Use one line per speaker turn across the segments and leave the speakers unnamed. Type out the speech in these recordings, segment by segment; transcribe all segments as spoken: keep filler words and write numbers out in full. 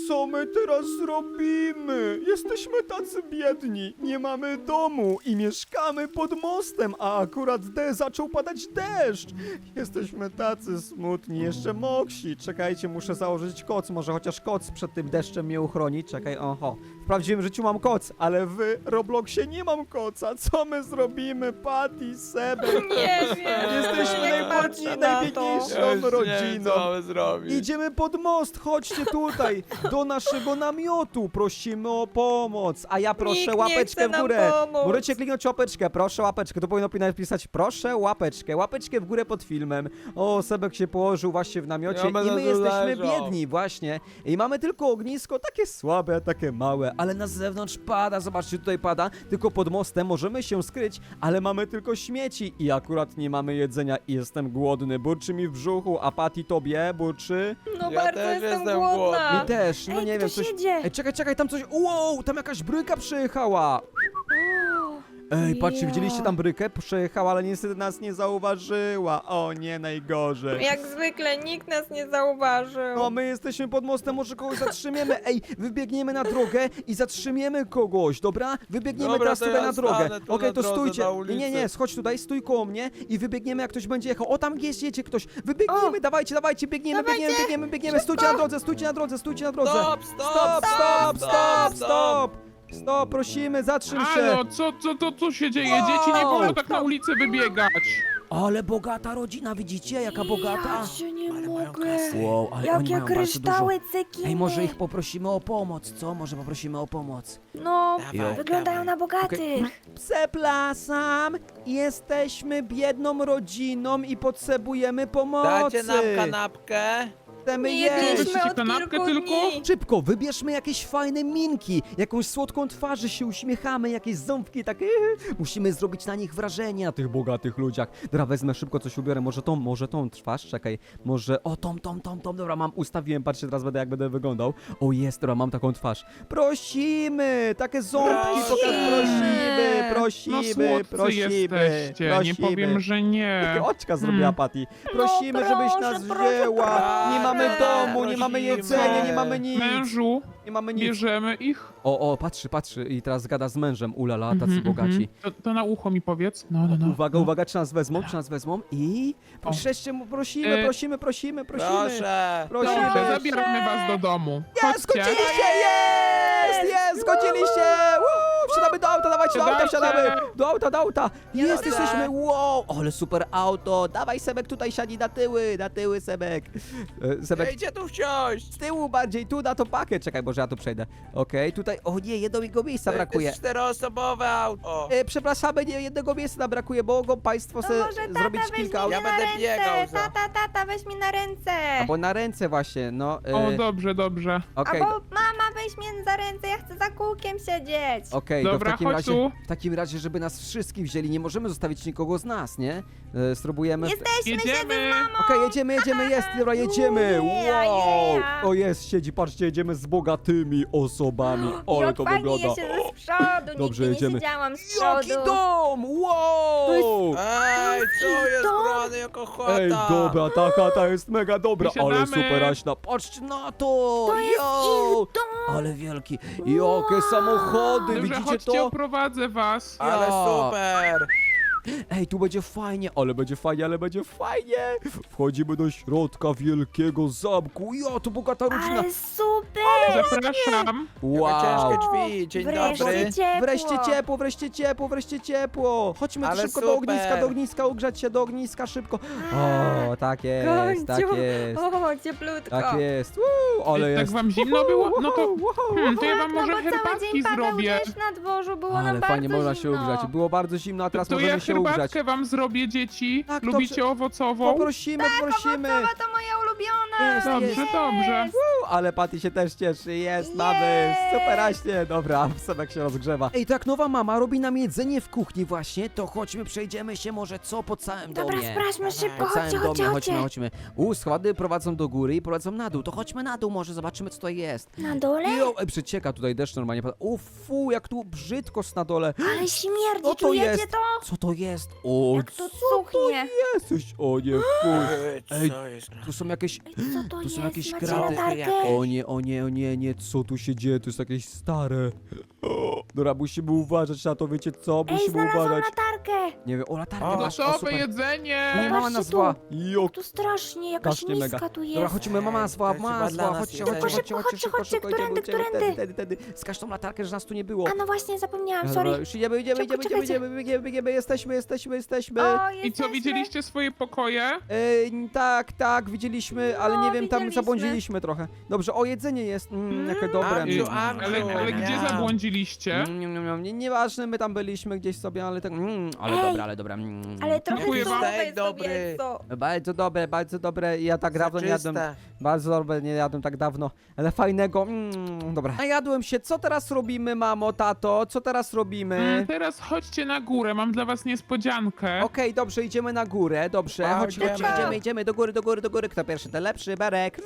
co my teraz zrobimy? Jesteśmy tacy biedni, nie mamy domu i mieszkamy pod mostem, a akurat de zaczął padać deszcz. Jesteśmy tacy smutni, jeszcze moksi. Czekajcie, muszę założyć koc, może chociaż koc przed tym deszczem mnie uchroni. Czekaj, oho. W prawdziwym życiu mam koc, ale w Robloxie nie mam koca. Co my zrobimy, Patty, Sebek?
Nie wiem.
Jesteśmy
nie
najbardziej,
patrzę na to.
najbiedniejszą
Ja już nie wiem,
rodziną.
co mamy zrobić.
Idziemy pod most, chodźcie tutaj, do naszego namiotu, prosimy o pomoc, a ja proszę
Nikt nie
łapeczkę
chce
w
nam
górę.
pomóc.
Możecie kliknąć łapeczkę, proszę łapeczkę, to powinno napisać proszę łapeczkę, łapeczkę w górę pod filmem. O, Sebek się położył właśnie w namiocie
Ja
i
będę
my
tu
jesteśmy
leżał.
biedni, właśnie. I mamy tylko ognisko, takie słabe, takie małe, ale na zewnątrz pada, zobaczcie, tutaj pada, tylko pod mostem możemy się skryć, ale mamy tylko śmieci i akurat nie mamy jedzenia i jestem głodny, burczy mi w brzuchu, a Patty tobie burczy?
No
Ja
bardzo
też
jestem
jestem
głodna.
głodny.
Mi też, no
Ej,
nie wiem,
ktoś
coś...
jedzie.
Ej, czekaj, czekaj, tam coś... Wow, tam jakaś bryka przejechała!
O,
Ej, patrzcie,
ja.
widzieliście tam brykę? Przejechała, ale niestety nas nie zauważyła. O nie, najgorzej.
Jak zwykle nikt nas nie zauważył.
No, my jesteśmy pod mostem, może kogoś zatrzymiemy. Ej, wybiegniemy na drogę i zatrzymiemy kogoś, dobra? Wybiegniemy
Dobra,
teraz
to
tutaj
ja
na drogę.
stanę tu
Okej,
na
to
drodze,
stójcie.
na
Nie, nie,
ulicy.
nie, schodź tutaj, stój koło mnie i wybiegniemy, jak ktoś będzie jechał. O, tam jest, jedzie ktoś. Wybiegniemy,
O!
dawajcie, dawajcie, biegniemy,
Dawajcie!
biegniemy, biegniemy, biegniemy. Stójcie na drodze, stójcie na drodze, stójcie na drodze.
Stop, stop,
Stop, stop, stop, stop! Stop, prosimy, zatrzym się!
Halo, co, co, co tu się dzieje? Dzieci nie wolno tak na ulicę wybiegać.
Ale bogata rodzina, widzicie? Jaka bogata?
Ja cię nie
Ale mają
mogę.
kasę.
Wow, ale oni
Jakie
mają bardzo
kryształy,
dużo.
cekiny.
Ej, może ich poprosimy o pomoc, co? Może poprosimy o pomoc.
No,
Dawaj,
wyglądają
dawaj.
na bogatych.
Przepraszam, jesteśmy biedną rodziną i potrzebujemy pomocy.
Dacie nam kanapkę?
Chcemy
Nie
jeść.
jedliśmy
Weźcie
od
kanapkę
kilku
tylko?
dni.
Szybko, wybierzmy jakieś fajne minki, jakąś słodką twarzy, się uśmiechamy, jakieś ząbki takie. Musimy zrobić na nich wrażenie, na tych bogatych ludziach. Dobra, wezmę szybko coś ubiorę, może tą, może tą twarz, czekaj, może, o tą, tą, tą, tą, dobra, mam, ustawiłem, patrzcie, teraz będę, jak będę wyglądał. O jest, dobra, mam taką twarz. Prosimy, takie ząbki, pokaż, prosimy,
No
prosimy,
słodcy
prosimy,
jesteście,
prosimy.
nie powiem, że nie.
Takie oczka zrobiła Patty. Prosimy,
No,
żebyś
proszę,
nas
proszę,
wzięła.
proszę.
Nie mamy domu, nie mamy
Prosimy.
jedzenia, nie mamy nic.
Mężu,
Nie mamy nic.
bierzemy ich?
O, o, patrzy, patrzy i teraz gada z mężem. Ulala, tacy
Mhm,
bogaci.
mhm. To, to na ucho mi powiedz. No, no, no.
Uwaga, uwaga, czy nas wezmą, czy nas wezmą? I
O.
wrzeszcie mu, prosimy,
E,
prosimy, prosimy, prosimy.
Proszę.
Prosimy.
Dobrze, zabieramy was do domu.
Jest,
Chodźcie.
zgodziliście, jest, jest, zgodziliście. Woo, wsiadamy do auta, dawajcie do auta,
Wsiadajcie.
wsiadamy. Do auta, do auta. Jest,
Jadę.
jesteśmy, wow, ale super auto. Dawaj, Sebek, tutaj siadzi na tyły, na tyły, Sebek. E, Sebek,
Ejcie tu wsiąść.
z tyłu bardziej, tu na tą pakę. Czekaj, może ja tu przejdę. Okej, tutaj, o nie, jednego miejsca brakuje.
To jest czteroosobowe auto.
E, przepraszamy, nie, jednego miejsca nam brakuje, bo mogą państwo
To
se
może tata
zrobić
weź
kilka
mnie
aut.
Ja
na
będę
ręce.
biegał za-
Tata, tata, weź mnie na ręce.
Albo na ręce właśnie, no. E,
O, dobrze, dobrze.
Okej,
Albo mama, weź mnie za ręce, ja chcę za kółkiem siedzieć.
okej, to w
Dobra,
takim
chodź
razie,
tu.
w takim razie, żeby nas wszystkich wzięli, nie możemy zostawić nikogo z nas, nie? E, spróbujemy.
Jesteśmy, siedzę z
Jedziemy.
mamą.
Okej, jedziemy, jedziemy, jest, dobra, jedziemy.
Yeah,
Wow!
yeah.
O jest, siedzi, patrzcie, jedziemy z bogatymi osobami. Ale
Jak
to
fajnie
wygląda.
ja siedzę z przodu,
Dobrze,
nigdy
jedziemy.
nie siedziałam z
Jaki
przodu.
dom! Wow!
Ej, co jest
dom.
grane jako chata?
Ej, dobra, ta chata jest mega dobra, ale
Wysiadamy.
super Aśna, patrzcie na to!
To jest
Yo!
ich dom.
Ale wielki, jakie samochody,
Dobrze,
widzicie
chodźcie,
to?
oprowadzę was.
Ale
Ja.
super.
Ej, tu będzie fajnie, ale będzie fajnie, ale będzie fajnie! Wchodzimy do środka wielkiego zamku, ja, to bogata rodzina!
Ale super.
Zapraszam.
Wow!
Ciężkie drzwi, dzień
Wreszcie
dobry.
ciepło.
Wreszcie ciepło, wreszcie ciepło, wreszcie ciepło! Chodźmy
Ale
szybko do
super.
ogniska, do ogniska, ugrzać się do ogniska, szybko! O, tak jest,
Końcu.
tak jest,
O, cieplutko.
tak jest, Woo, ale
Tak
jest!
wam zimno było? No to,
Wow, wow,
hmm, to ja
Tak,
wam
no
może
bo cały
herbatki
dzień padał
zrobię.
deszcz na dworzu, było
Ale
nam
fajnie
bardzo
można się
zimno.
ugrzać. Było bardzo zimno, a teraz
To
możemy
ja
się ugrzać.
herbatkę wam zrobię, dzieci.
Tak,
Lubicie
dobrze.
owocową?
Poprosimy, poprosimy.
Owocowa to moja ulubiona.
Jest,
Dobrze,
jest.
dobrze.
Uuu, ale Patty się też cieszy. Jest,
Jest.
mamy. Super aśnie. Dobra, Sebek się rozgrzewa. Ej, tak nowa mama robi nam jedzenie w kuchni właśnie, to chodźmy, przejdziemy się może co po całym
Dobra,
domie.
sprawdźmy szybko,
Po całym
chodźcie, chodźcie,
domie,
chodźcie.
chodźmy, chodźmy. U, schody prowadzą do góry i prowadzą na dół. To chodźmy na dół, może zobaczymy co to jest.
Na dole?
Jo, ej, przecieka tutaj deszcz normalnie pada. U, fu, jak tu brzydko na dole.
Ale śmierdzi,
Co to
czujecie
jest?
to?
Co to jest? O,
Jak to
co
cuchnie.
jesteś? O nie, fuj.
Ej,
Ej,
co jest grane?
Tu są jakieś...
Ej, co to
Tu
jest?
są jakieś
Macie
kraty.
latarkę?
O nie, o nie, o nie, nie, co tu się dzieje? To jest jakieś stare. O, dobra, musimy uważać na to, wiecie co?
Ej,
Musimy
znalazłam
uważać.
latarkę.
Nie wiem, o latarkę
O,
masz, o
Gotowe
super.
jedzenie!
Nie, mama
Patrzcie
nazwała.
tu.
Jo,
Tu strasznie, jakaś
strasznie mega.
miska tu jest.
Dobra, chodźmy, mama nazwała,
To
mama
chyba dla
nazwała,
nas
chodźcie,
jedzenie.
chodźcie,
Szybko,
chodźcie,
szybko,
szybko,
chodźcie,
szybko, idziemy,
którędy,
idziemy,
którędy?
tedy, tedy, tedy. Skaż tą latarkę, że nas tu nie było.
A no właśnie, zapomniałam,
Dobra,
sorry.
już idziemy, idziemy,
Szybko,
idziemy, idziemy,
czekajcie.
idziemy, biegniemy, biegniemy, jesteśmy, jesteśmy, jesteśmy.
O,
I co,
jesteśmy.
widzieliście swoje pokoje?
Ej, tak, tak, widzieliśmy, ale
No,
nie wiem, tam
widzieliśmy.
zabłądziliśmy trochę. Dobrze, o, jedzenie jest, mm, jakie dobre.
Amciu,
Y,
Amciu,
ale ale
miam.
gdzie zabłądziliście?
Mm, mm, mm, nie- Nieważne, my tam byliśmy gdzieś sobie, ale tak, mm, ale
Ej,
dobra, ale dobra. Mm.
Ale trochę
Dziękuję wam.
tutaj
Steak dobry.
sobie co.
Bardzo dobre, bardzo dobre, ja tak dawno nie jadłem,
Soczyste.
bardzo dobre, nie jadłem tak dawno, ale fajnego, mm, dobra. Najadłem się, co teraz robimy, mamo, tato, co teraz robimy?
Mm, teraz chodźcie na górę, mam dla was niespodziankę.
Okej, dobrze, idziemy na górę, dobrze,
A,
chodź, chodź,
idziemy.
idziemy, idziemy, do góry, do góry, do góry, kto pierwszy, ten lepszy, Berek.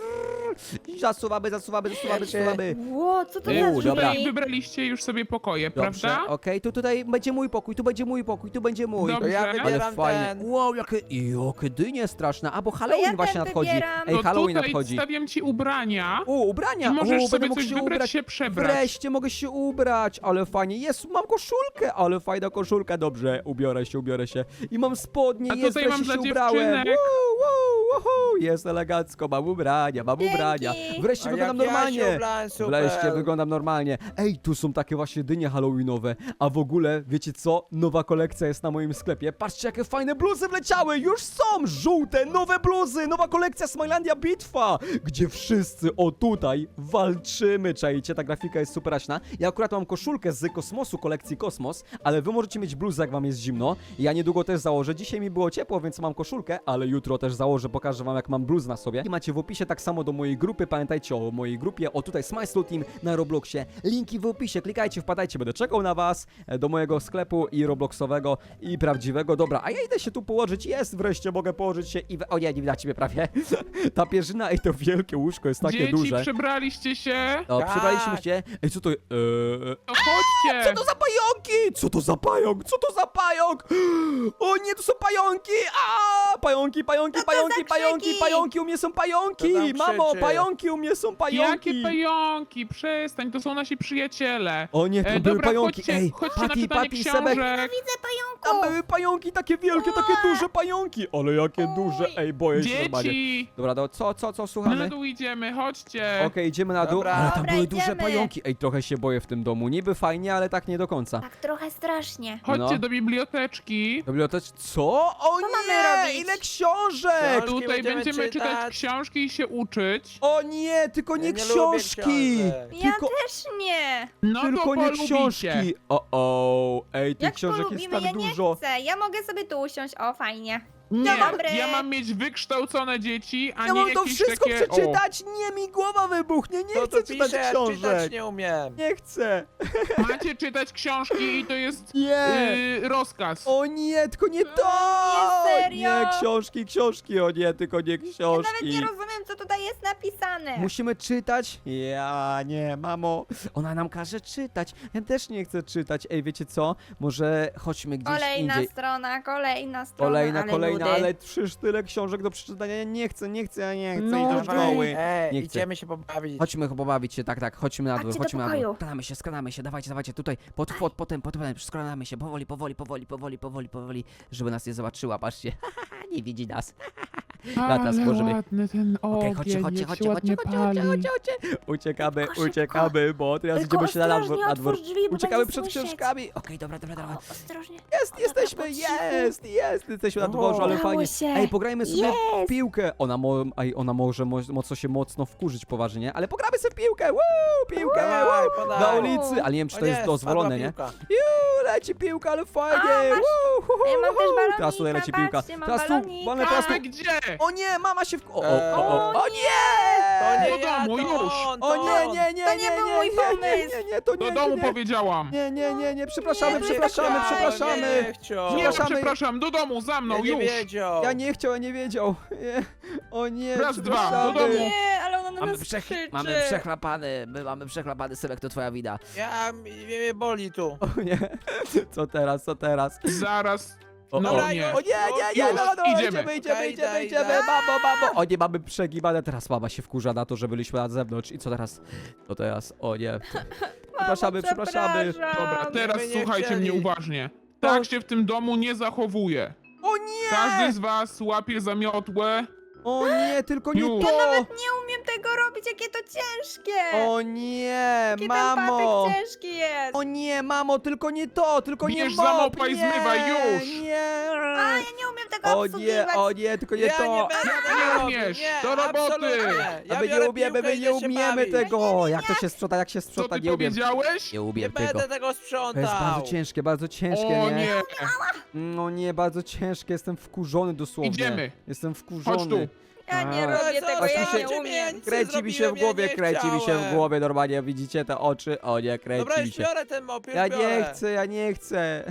Zasuwamy, zasuwamy, zasuwamy,
Pierwszy.
zasuwamy.
Ło, co to
Ej,
za
u, dobra.
drzwi?
Wybraliście już sobie pokoje,
Dobrze,
prawda?
okej, tu tutaj będzie mój pokój, tu będzie mój pokój, tu będzie mój.
Dobrze.
To ja
Ale
Ale
wybieram
fajnie.
ten.
Wow, jakie, jakie dynie straszne, a bo Halloween
ja
właśnie
ten
nadchodzi.
wybieram.
Ej,
To
Halloween
tutaj
nadchodzi.
stawiam ci ubrania
U, ubrania,
i możesz
u, będę
sobie
mógł
coś
się
wybrać,
ubrać.
się przebrać.
Wreszcie mogę się ubrać, ale fajnie. Jest, mam koszulkę, ale fajna koszulka. Dobrze, ubiorę się, ubiorę się. I mam spodnie,
A
jest,
tutaj
wreszcie
mam
się
dla
ubrałem.
dziewczynek.
Woo, woo, woohoo, jest elegancko, mam ubrania, mam
Dzięki.
ubrania. Wreszcie
A
wyglądam
jak ja się
normalnie.
ubrałem, super.
Wreszcie wyglądam normalnie. Ej, tu są takie właśnie dynie halloweenowe. A w ogóle, wiecie co? Nowa kolekcja jest na moim sklepie. Patrzcie, jakie fajne bluzy wleciały. Już są żółte, nowe bluzy. Nowa kolekcja Smilandia Bitwa, gdzie wszyscy o tutaj walczymy. Czajcie, ta grafika jest super aśna. Ja akurat mam koszulkę z Kosmosu, kolekcji Kosmos, ale wy możecie mieć bluzę, jak wam jest zimno. Ja niedługo też założę. Dzisiaj mi było ciepło, więc mam koszulkę, ale jutro też założę, pokażę wam, jak mam bluz na sobie. I macie w opisie tak samo do mojej grupy. Pamiętajcie o mojej grupie. O tutaj Smile Slow Team na Robloxie. Linki w opisie. Klikajcie, wpadajcie. Będę czekał na was e, do mojego sklepu i Robloxowego i prawdziwego. Dobra, a ja idę się tu położyć. Jest, wreszcie mogę położyć się i... We... O nie, nie widać mnie prawie. Ta pierzyna i to wielkie łóżko jest takie
Dzieci,
duże.
przebraliście się?
O,
Tak.
przebraliśmy się. Ej, co to... Eee...
To chodźcie!
Co to za pająki? Co to za pająk? Co to za pająk? O nie, to są pająki! A, pająki, pająki,
to
pająki,
za
pająki,
krzyki?
pająki, u mnie są pająki!
Kto tam
Mamo,
krzyczy?
pająki, u mnie są pająki!
Jakie pająki? Przestań, to są nasi przyjaciele.
O nie, tam
E,
były
dobra,
pająki.
chodźcie,
Ej,
chodźcie na
Patty,
czytanie
Patty, Sebek.
książek.
Widzę
Tam
pająku.
były pająki takie wielkie, takie duże pająki! Ale jakie
Oj.
duże! Ej, boję się normalnie.
Dzieci!
Dobra, do, co, co, co,
Na
słuchamy?
dół idziemy, chodźcie.
Okej, idziemy na dół.
Dobra.
Ale tam
Dobra,
były duże
idziemy.
pająki. Ej, trochę się boję w tym domu. Niby fajnie, ale tak nie do końca.
Tak trochę strasznie.
Chodźcie
No.
do biblioteczki.
Bibliotecz... Co? O
Co mamy
nie!
robić?
Ile książek!
Książki
Tutaj
będziemy
będziemy czytać
czytać.
książki i się uczyć.
O nie, tylko nie,
Ja nie lubię
książki!
książek.
Ja
Tylko,
też nie.
No
tylko
to
nie
polubicie.
książki! O, o, ej, tych
Jak
książek jest
polubimy,
tak
ja nie
dużo.
chcę. Ja mogę sobie tu usiąść. O, fajnie.
Nie,
dobry.
ja mam mieć wykształcone dzieci, a
Ja
nie
mam to
jakieś
wszystko
takie...
przeczytać! Nie, mi głowa wybuchnie! Nie
To
chcę
tu
czytać
pisze, ja czytać
książek!
nie umiem.
Nie chcę!
O, macie czytać książki i to jest
Nie!
yy, rozkaz.
O nie, tylko nie to!
Nie, serio?
Nie, książki, książki, o nie, tylko nie
Ja nawet
książki.
nie rozumiem, co tutaj jest napisane.
Musimy czytać? Ja nie, mamo. Ona nam każe czytać. Ja też nie chcę czytać. Ej, wiecie co? Może chodźmy gdzieś
Kolejna
indziej.
strona, kolejna strona,
Kolejna,
ale
kolejna,
nudy.
ale przecież tyle książek do przeczytania. Ja nie chcę, nie chcę, ja nie chcę
No,
iść do
dawaj.
szkoły.
Ej,
Nie chcę.
idziemy się pobawić.
Chodźmy pobawić się, tak, tak, chodźmy na dół,
Chodźcie do
chodźmy na dół.
pokoju.
Skradamy się, skradamy się, dawajcie, dawajcie, tutaj, pod, pod, potem, potem, skradamy się, powoli, powoli, powoli, powoli, powoli, powoli, żeby nas nie zobaczyła, patrzcie, nie widzi nas. Lata
Ale
stworzymy.
ładny ten
Okej,
ogień,
chodźcie, chodźcie,
jak
chodźcie,
się
chodźcie,
ładnie
chodźcie,
pali.
chodźcie, chodźcie, chodźcie. Uciekamy,
Szybko, szybko.
uciekamy, bo teraz
Tylko
idziemy się na dwór,
ostrożnie
na dwór.
otwórz drzwi, bo
Uciekamy
będzie
przed
słyszeć.
książkami. Okej, dobra, dobra, dobra.
O, ostrożnie.
Jest,
O, dobra,
jesteśmy,
po cichu.
jest, jest, jesteśmy na dworze, ale
Udało
fajnie.
się.
Ej, pograjmy sobie w
Jest.
piłkę. Ona, mo, ej, ona może mo, mocno się mocno wkurzyć poważnie, nie? Ale pogramy sobie w piłkę, Woo, piłkę,
Dawaj,
woo,
podaj.
na ulicy, ale nie wiem, czy
O
to jest
nie,
dozwolone,
spadła
nie?
piłka.
Juuu, leci piłka, ale fajnie,
A, masz-
Woo, hu, hu,
Ja mam
hu,
też
hu.
balonika,
Teraz tutaj leci piłka.
patrzcie, mam
Teraz tu,
balonika.
wolę teraz tu.
A gdzie?
O nie, mama się w... O, o,
Eee.
o, o, o
To
nie!
nie
Do
ja,
domu,
to
już.
on,
O
to
nie,
on.
nie, nie,
To
nie,
nie był
nie,
mój
nie,
pomysł.
nie, nie, nie, to nie,
Do
nie,
domu
nie.
powiedziałam.
Nie, nie, nie, nie, przepraszamy,
Nie,
przepraszamy,
nie,
przepraszamy.
Nie chciał.
Nie,
Przepraszamy.
przepraszam, do domu, za mną,
Ja nie
już.
wiedział.
Ja nie chciał, ja nie wiedział. Nie. O nie,
Raz, dwa,
przepraszamy.
do domu.
Nie, ale ona na
Mamy,
nas
przech...
krzyczy.
mamy przechlapany, my mamy przechlapany Sebek, to twoja wina.
Ja, mnie boli tu.
O nie, co teraz, co teraz?
Zaraz
O,
No
Dobra,
nie.
już,
O nie, nie, nie,
Już,
no, no, no,
idziemy.
idziemy, idziemy,
Okej,
idziemy,
idę,
idziemy,
idę.
mamo, mamo. O nie, mamy przegibane, teraz mama się wkurza na to, że byliśmy na zewnątrz. I co teraz? To teraz, o nie. Przepraszamy, przepraszamy.
przepraszam.
Dobra, teraz
My nie
słuchajcie
chcieli.
mnie uważnie. Tak się w tym domu nie zachowuje.
O nie!
Każdy z was łapie za miotłę.
O nie, tylko nie
Już.
to!
Nie umiem tego robić, jakie to ciężkie.
O nie,
Jaki
mamo!
ten patyk ciężki jest.
O nie, mamo, tylko nie to, tylko nie
Bierz
mop,
za mopa i
nie,
zmywaj, już.
Nie!
A, ja nie umiem tego
O nie,
obsługiwać.
o nie, tylko nie
Ja
to!
nie będę
Nie
tego robił,
umiesz,
nie,
do roboty.
absolutnie. Ja
A my
biorę
nie umiemy,
piłkę
my
i
nie
idę się
umiemy
bawić.
tego! Jak to się sprząta, jak się
Co
sprząta,
ty
nie umiem.
powiedziałeś?
Nie
Nie
umiem
będę
tego.
tego
To jest
sprzątał.
bardzo ciężkie, bardzo ciężkie,
O
nie?
nie.
No nie, bardzo ciężkie, jestem wkurzony dosłownie.
Idziemy.
Jestem
Chodź
wkurzony.
tu.
Ja nie
A.
robię
Co
tego,
Aż
ja
mi się-
nie umiem.
nic
Kręci mi się w
zrobiłem,
głowie,
ja nie
kręci mi się w
chciałem.
głowie, normalnie widzicie te oczy? O nie, kręci
Dobra,
mi
już
się.
biorę ten mop, już
Ja
biorę.
nie chcę, ja nie chcę.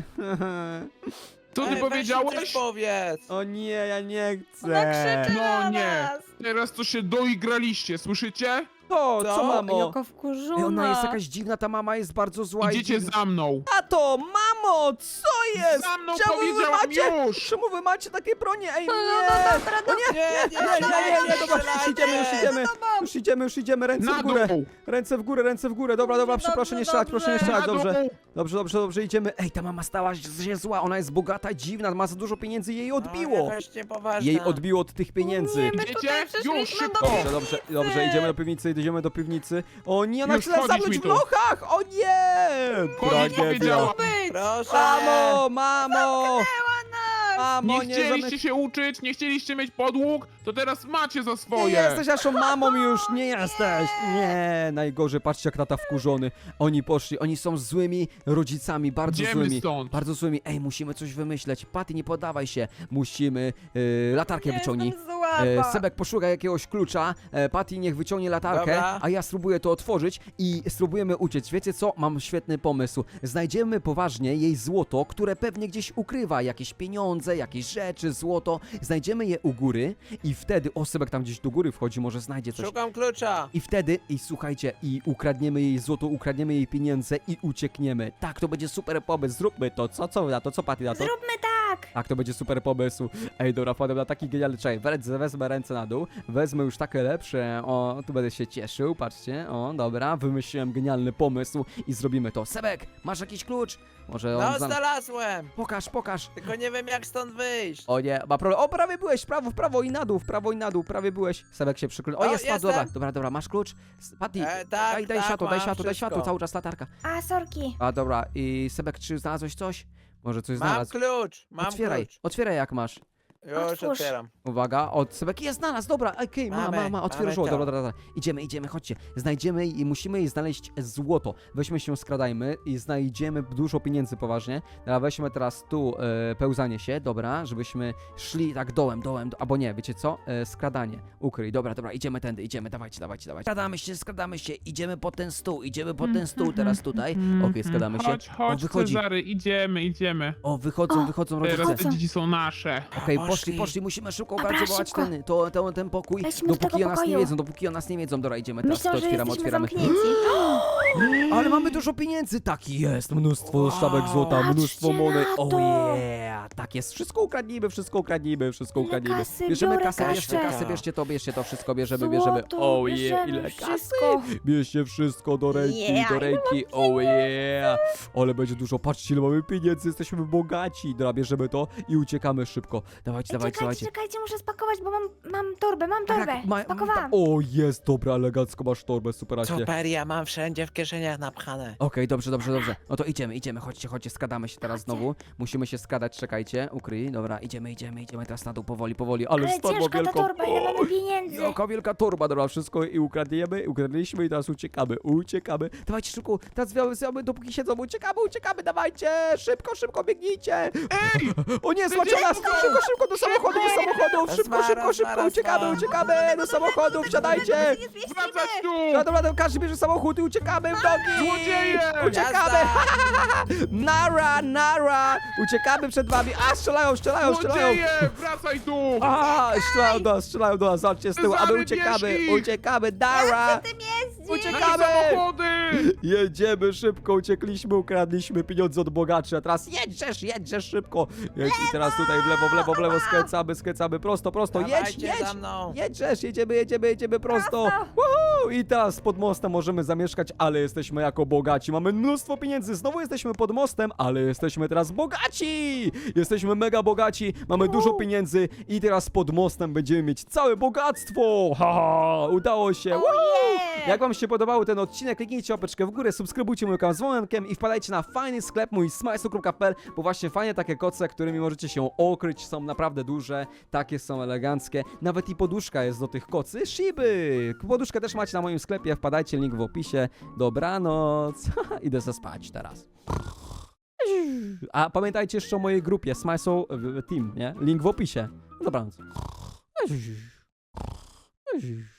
Co ty
Ej, weź mi
powiedziałeś?
coś powiedz.
O nie, ja nie
Ona
chcę.
krzyczy
No
na
nie.
nas.
Teraz to się doigraliście, słyszycie?
To, co
Co?
mamo?
Jaka wkurzona.
Ej, ona jest jakaś dziwna, ta mama jest bardzo zła i
Idziecie
dziwna.
za mną.
Tato, mamo, co jest?
Za mną
Czemu wy
powiedziałam
macie,
już.
czemu wy macie takie bronie? Ej,
No, no,
nie!
dobra,
O nie,
Nie, nie,
nie, nie, nie, nie, dobra, już idziemy, już idziemy.
za tobą.
Już idziemy, już idziemy, ręce
Na
w górę.
dół.
Ręce w górę, ręce w górę. Dobra, dobra,
Dobrze,
proszę nie
dobrze,
strzelać, proszę nie
dobrze.
strzelać,
Na
dobrze.
dół.
Dobrze, dobrze, dobrze, idziemy. Ej, ta mama stała się zła, ona jest bogata, dziwna, ma za dużo pieniędzy, jej
No,
odbiło.
jakaś niepoważna.
Jej odbiło od tych pieniędzy.
Nie, my
Idziecie?
tutaj
Już,
przyszliśmy
szybko.
do
Dobrze, dobrze, dobrze, idziemy do piwnicy, idziemy do piwnicy. O nie, ona
Już
chce
wchodzić
zamknąć
mi
w
tu.
lochach! O nie!
Koniec powiedziałam.
być.
Proszę.
Mamo, mamo!
Nas.
Mamo,
Nie
nie
chcieliście
zamyk...
się uczyć, nie chcieliście mieć podłóg, to teraz macie za
Nie
swoje.
jesteś naszą mamą już, nie jesteś! Nie, najgorzej, patrzcie jak tata wkurzony. Oni poszli, oni są złymi rodzicami, bardzo
Idziemy
złymi.
stąd.
Bardzo złymi. Ej, musimy coś wymyśleć. Patty, nie podawaj się. Musimy... Yy, latarkę wyciągnij.
Jestem słaba.
E, Sebek poszuka jakiegoś klucza, e, Patty niech wyciągnie latarkę,
Dobra.
a ja spróbuję to otworzyć i spróbujemy uciec. Wiecie co? Mam świetny pomysł. Znajdziemy poważnie jej złoto, które pewnie gdzieś ukrywa. Jakieś pieniądze, jakieś rzeczy, złoto. Znajdziemy je u góry i wtedy... O, Sebek tam gdzieś do góry wchodzi, może znajdzie coś.
Szukam klucza.
I wtedy, i słuchajcie, i ukradniemy jej złoto, ukradniemy jej pieniądze i uciekniemy. Tak, to będzie super pomysł, zróbmy to. Co, co na to? Co Patty na to?
Zróbmy tak.
Tak, to będzie super pomysł. Ej, dobra, wpadłem na taki genialny czaj. Wezmę, wezmę ręce na dół, wezmę już takie lepsze. O, tu będę się cieszył, patrzcie. O, dobra, wymyśliłem genialny pomysł i zrobimy to. Sebek, masz jakiś klucz? Może on
No,
zna...
znalazłem.
Pokaż, pokaż.
Tylko nie wiem jak stąd wyjść.
O nie, ma problem. O, prawie byłeś, w prawo, w prawo i na dół, w prawo i na dół, prawie byłeś. Sebek się przyklął. O,
O,
jest, spadł,
jestem.
dobra, dobra, dobra, masz klucz? S- Patty,
E, tak,
daj, daj
tak,
światło, daj
mam
światło, daj
wszystko.
światło, cały czas latarka.
A, sorki.
A, dobra, i Sebek, czy znalazłeś coś? Może coś
Mam
znalazł?
klucz, mam
Otwieraj,
klucz.
otwieraj jak masz.
Już
Otwórz.
otwieram.
Uwaga, od Sebek jest znalazł, dobra, okej, ma,
Mamy,
ma, ma,
mamy
otworzyło,
to.
dobra, dobra, dobra. Idziemy, idziemy, chodźcie. Znajdziemy i musimy jej znaleźć złoto. Weźmy się, skradajmy i znajdziemy dużo pieniędzy poważnie. Dobra, weźmy teraz tu e, pełzanie się, dobra, żebyśmy szli tak dołem, dołem, do, albo nie, wiecie co? E, skradanie, ukryj, dobra, dobra, idziemy tędy, idziemy, dawajcie, dawajcie, dawajcie. Skradamy się, skradamy się, idziemy po ten stół, idziemy po ten stół teraz tutaj. Okej, skradamy się.
Chodź, chodź,
O, wychodzi.
Cezary, idziemy, idziemy.
O, wychodzą,
O,
wychodzą
Teraz
rodzice.
te dzieci są nasze.
Okej, poszli,
Poszli.
poszli, musimy szybko
Dobra,
ogarniać
szybko.
ten, to, to, ten pokój,
Wejdźmy do
dopóki
tego
o nas nie
pokoju.
wiedzą, dopóki o nas nie wiedzą. Dobra, idziemy teraz,
Myślę,
to
że
otwieramy,
jesteśmy
otwieramy.
zamknięci.
Ale mamy dużo pieniędzy, tak jest, mnóstwo
Wow.
sztabek złota,
Patrzcie
mnóstwo monet.
na
Oh
to.
yeah, tak jest, wszystko ukradnijmy, wszystko ukradnijmy, wszystko
Ile
ukradnijmy.
kasy?
Bierzemy
Biorę
kasę, bierzcie
kasę.
kasę, bierzcie to, bierzcie to, wszystko bierzemy, bierzemy.
Złoto,
Oh yeah,
bierzemy
ile kasy.
wszystko.
Bierzcie wszystko do ręki,
Yeah,
do ręki, oh yeah. Ale będzie dużo, patrzcie ile mamy pieniędzy, jesteśmy bogaci. Dobra, bierzemy to i uciekamy szybko. Dawajcie,
Ej,
dawajcie,
czekajcie,
dawajcie.
czekajcie, muszę spakować, bo mam, mam torbę, mam torbę.
Tak, ma-
Spakowałam.
O, jest, dobra, elegancko masz torbę, superaśnie.
Super, ja mam wszędzie w kieszeniach napchane.
Okej, dobrze, dobrze, dobrze. No to idziemy, idziemy, chodźcie, chodźcie, skradamy się teraz znowu. Musimy się skradać, czekajcie, ukryj, dobra, idziemy, idziemy, idziemy teraz na dół, powoli, powoli, ale,
Ale
spadła
ciężka ta
wielką...
torba, ile mamy pieniędzy.
Jaka wielka torba, dobra, wszystko i ukradniemy, ukradliśmy i teraz uciekamy, uciekamy. Dawajcie szybko, teraz zwiamy, zwiamy, dopóki siedzą, uciekamy, uciekamy, dawajcie, szybko, szybko, biegnijcie.
Ej!
O nie, złacie nas, szybko, szybko, do samochodu, do samochodów, szybko,
Zmara,
szybko, szybko,
zmara,
uciekamy,
zmara.
uciekamy, do samochodu, wsiadajcie.
Wracać tu!
No dobra, to każdy bierze samochód i uciekamy w nogi!
Złodzieje!
Uciekamy!
Jazda!
Nara, nara! Uciekamy przed wami! A, strzelają, strzelają, strzelają!
Złodzieje! Wracaj tu!
A, strzelają do nas, strzelają do nas, zobaczcie z tyłu, a my
Cezary,
uciekamy,
bierz ich!
uciekamy, nara!
Tym jeździ.
Uciekamy!
Nasze samochody!
Jedziemy szybko, uciekliśmy, ukradliśmy pieniądze od bogaczy, a teraz jedźesz, jedźesz szybko. Jedź i teraz tutaj w lewo, w lewo, w lewo, skręcamy, skręcamy, prosto, prosto, jedź,
Dawajcie
jedź.
za mną.
Jedźesz, jedziemy, jedziemy, jedziemy prosto. Woohoo! I teraz pod mostem możemy zamieszkać, ale jesteśmy jako bogaci. Mamy mnóstwo pieniędzy, znowu jesteśmy pod mostem, ale jesteśmy teraz bogaci. Jesteśmy mega bogaci, mamy dużo pieniędzy i teraz pod mostem będziemy mieć całe bogactwo. Haha, udało się. Woohoo!
Yeah.
Jak wam się podobał ten odcinek, kliknijcie łapeczkę w górę, subskrybujcie mój kanał z dzwonkiem i wpadajcie na fajny sklep mój smajsu kropka p l, bo właśnie fajne takie koce, którymi możecie się okryć, są naprawdę duże, takie są eleganckie. Nawet i poduszka jest do tych kocy, Shiby. Poduszkę też macie na moim sklepie, wpadajcie, link w opisie. Dobranoc. Idę sobie spać teraz. A pamiętajcie jeszcze o mojej grupie Smajsu Team, nie? Link w opisie. Dobranoc.